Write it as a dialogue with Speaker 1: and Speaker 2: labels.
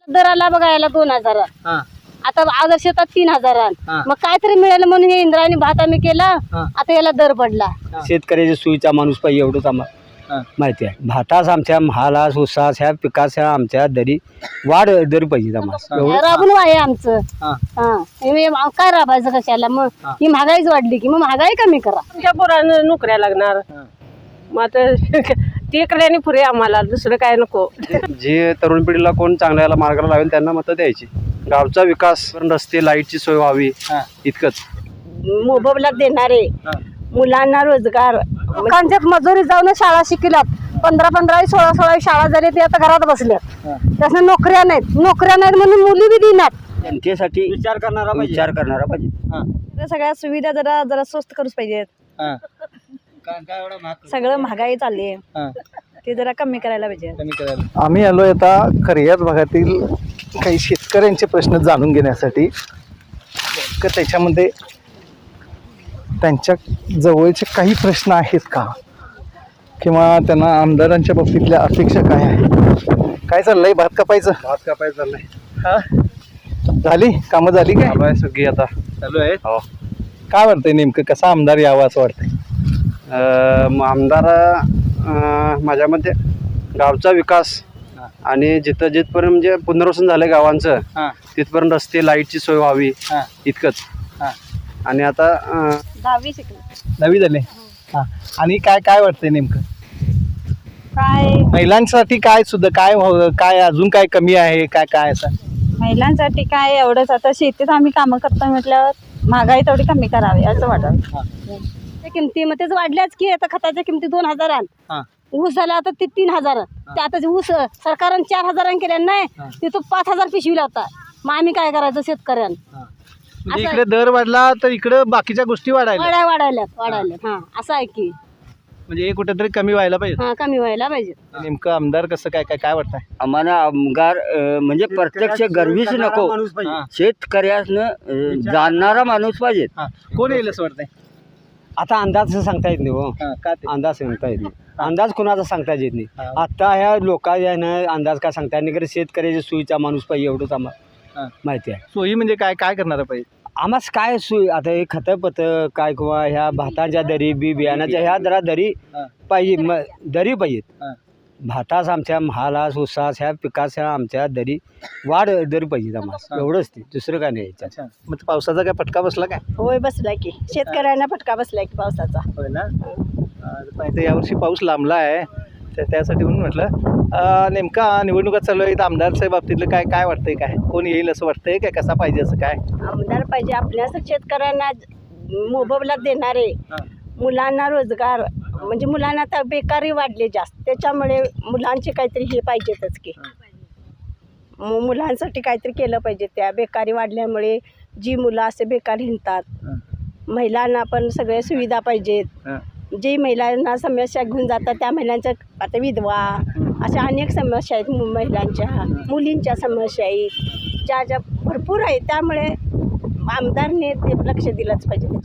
Speaker 1: दराला बघायला 2000 आता अगोदर शेतात 3000 मग काहीतरी मिळालं म्हणून हे इंद्रायणी भात आम्ही केला आता याला दर पडला।
Speaker 2: शेतकऱ्याच्या सोयीचा माणूस पाहिजे एवढंच आम्हाला माहिती आहे। भातास आमच्या महालास उसास ह्या पिकाच्या आमच्या दरी वाढ दर पाहिजे आम्हाला
Speaker 1: राबून आहे आमचं। काय राबायचं कशाला मग ही महागाईच वाढली की मग महागाई कमी करा।
Speaker 3: आमच्या पोरांना नोकऱ्या लागणार मग आता ते कल्याने पुरे आम्हाला दुसरं काय नको।
Speaker 2: जे तरुण पिढीला कोण चांगल्याला मार्गाला लावेल त्यांना मतं द्यायची। गावचा विकास रस्ते लाईटची सोय व्हावी इतकंच।
Speaker 1: मोबदला देणारे मुलांना रोजगार लोकांच्या मजुरी जाऊन शाळा शिकल्यात 15-15 16-16 शाळा झाली ते आता घरात बसल्यात त्यासना नोकऱ्या नाहीत म्हणून मुली बी देणार।
Speaker 2: जनतेसाठी विचार करणारा पाहिजे।
Speaker 4: सगळ्या सुविधा जरा स्वस्त करूच पाहिजेत। सगळं महागाई चालली आहे ते जरा कमी करायला पाहिजे।
Speaker 5: आम्ही आलोय आता खरियात भागातील काही शेतकऱ्यांचे प्रश्न जाणून घेण्यासाठी का त्याच्यामध्ये त्यांच्या जवळचे काही प्रश्न आहेत का किंवा त्यांना आमदारांच्या बाबतीतल्या अपेक्षा काय आहे। काय चाललंय भात कापायचं चाललंय हा झाली कामं झाली काय
Speaker 2: सगळी आता
Speaker 5: चालू आहे।
Speaker 2: हो
Speaker 5: काय वाटतंय नेमकं कसा आमदार यावा असं वाटतंय।
Speaker 2: आमदार माझ्या मते गावचा विकास आणि जिथपर्यंत म्हणजे पुनर्वसन झालं गावांचं तिथपर्यंत रस्ते लाईटची सोय व्हावी इतकंच। आणि आता
Speaker 4: 10वी
Speaker 5: झाले हा आणि काय वाटतंय नेमकं
Speaker 4: काय
Speaker 5: महिलांसाठी काय सुद्धा काय अजून काय कमी आहे काय असं
Speaker 4: महिलांसाठी काय एवढंच आता शेतीत आम्ही कामं करतो म्हटल्यावर महागाई तेवढी कमी करावी असं वाटतं।
Speaker 1: किमती मग तेच वाढल्याच की आता खताच्या किमती 2000 ऊस झाला आता ते 3000 ते आता ऊस सरकारने 4000 केल्या नाही ते तो 5000 पिशवीला होता। मग आम्ही काय करायचं शेतकऱ्यांना
Speaker 5: इकडे दर वाढला तर इकडे बाकीच्या गोष्टी
Speaker 1: वाढायल्यात हा असं आहे की
Speaker 5: म्हणजे कुठेतरी कमी व्हायला पाहिजे।
Speaker 1: हा कमी व्हायला पाहिजे।
Speaker 5: नेमकं आमदार कसं काय वाटतंय
Speaker 2: आम्हाला आमदार म्हणजे प्रत्यक्ष गर्वीच नको शेतकऱ्यानं जाणणारा माणूस पाहिजे।
Speaker 5: कोण येईल असं वाटतंय।
Speaker 2: आता अंदाज सांगता येत नाही हो अंदाज सांगता येत नाही अंदाज कोणाचा सांगता येत नाही। आता ह्या लोकांना अंदाज काय सांगता येत नाही शेतकऱ्याच्या सोयीचा माणूस पाहिजे एवढंच आम्हाला माहिती आहे।
Speaker 5: सोयी म्हणजे काय करणार पाहिजे
Speaker 2: आम्हाला काय सोय आता हे खतपत काय किंवा ह्या भाताच्या दरी बियाण्याच्या ह्या जरा दरी पाहिजे दरी पाहिजेत। भातास आमच्या महालास उसास ह्या पिकाच्या आमच्या दरी वाढ दरी पाहिजे आम्हाला एवढंच ते दुसरं काय नाही।
Speaker 5: मग पावसाचा काय फटका बसला काय
Speaker 4: होय बसलाय की शेतकऱ्यांना फटका बसलाय की पावसाचा।
Speaker 5: होय ना यावर्षी पाऊस लांबला आहे त्यासाठी म्हणून म्हटलं नेमका निवडणुका चालू आहेत आमदारच्या बाबतीतलं काय वाटतंय काय कोण येईल असं वाटतंय काय कसा पाहिजे असं काय
Speaker 1: आमदार पाहिजे आपल्या शेतकऱ्यांना मोबदला देणारे मुलांना रोजगार म्हणजे मुलांना आता बेकारी वाढली जास्त त्याच्यामुळे मुलांचे काहीतरी हे पाहिजेतच की मुलांसाठी काहीतरी केलं पाहिजे। त्या बेकारी वाढल्यामुळे जी मुलं असे बेकार हिंडतात महिलांना पण सगळ्या सुविधा पाहिजेत। जी महिलांना समस्या घेऊन जातात त्या महिलांच्या आता विधवा अशा अनेक समस्या आहेत महिलांच्या मुलींच्या समस्या आहेत ज्या भरपूर आहेत त्यामुळे आमदारने ते लक्ष दिलंच पाहिजे।